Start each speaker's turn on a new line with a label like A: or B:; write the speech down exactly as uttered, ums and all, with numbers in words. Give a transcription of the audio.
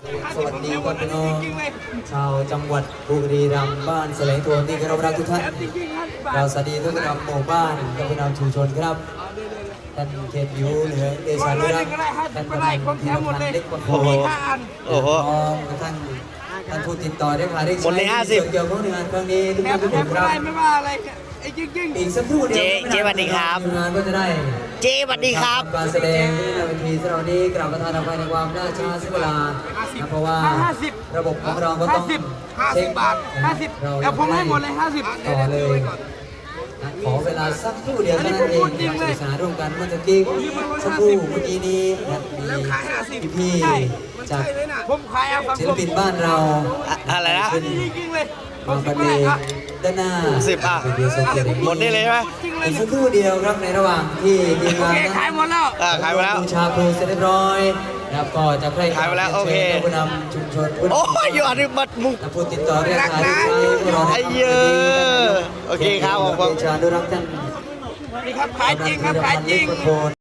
A: สวัสดีครับพี่น้องชาวจังหวัดบุรีรัมย์บ้านแสลงทวนที่เคารพรักทุกท่านเราสวัสดีทุกท่านหมู่บ้านและผู้นำชุมชนครับท่านเขตยูเหนือเดชานุรักษ์ท่านประธานทีมพันเล็กประโคนโอ้โหท่านท่านผู้ติดต่อได้ค่ะได้ใช้เกี่ยวกับงานครั้งนี้ทุกท่านทุกคนครับ
B: ไม่ว่าอะไร
A: อีกสักครู่เดียว
C: เจ๊สวัสดีครับ
A: งานก็จะได้
C: เจ๊สวัสดีครับ
A: การแสดงที่ในเวทีสำหรับนี้กราบประธานอภัยในความล่าช้าเสียเวลานะเพราะว่าระบบของเราก็ต้องเช็ค
B: บาทห้าสิบแล้วผมให้หมดเลยห้าสิบ
A: ต่อเลยขอเวลาสักครู่เดียวเท่านั้นเองอยากศึกษาร่วมกันเมื่อกี้สักครู่เมื่อกี้นี้มีพี่ๆจากศิลปินบ้านเรา
C: อะไรนะ
A: มาประเดด้านหน้า
C: สิบอ่ะหมดได้เลยไหม
A: อีกสักครู่เดียวครับในระหว่างที่ทีมงาน
B: ขายหมดแล้ว
C: ขายหมดแล้ว
A: บูชาครูเสร็จเรียบร้อยนะครับก็จะใคร่
C: ขายหมดแล้วโอเค
A: ผู้นำชุมชน
C: โอ้ยอยู่อันนี้บัดมุก
A: ผู้ติดต่อเรียกขายลูกค้า
C: ไอ้เยอะโอเคครับผม
A: เดชานุรักษ์ท่าน
B: นี่ครับขายจริงครับขายจริง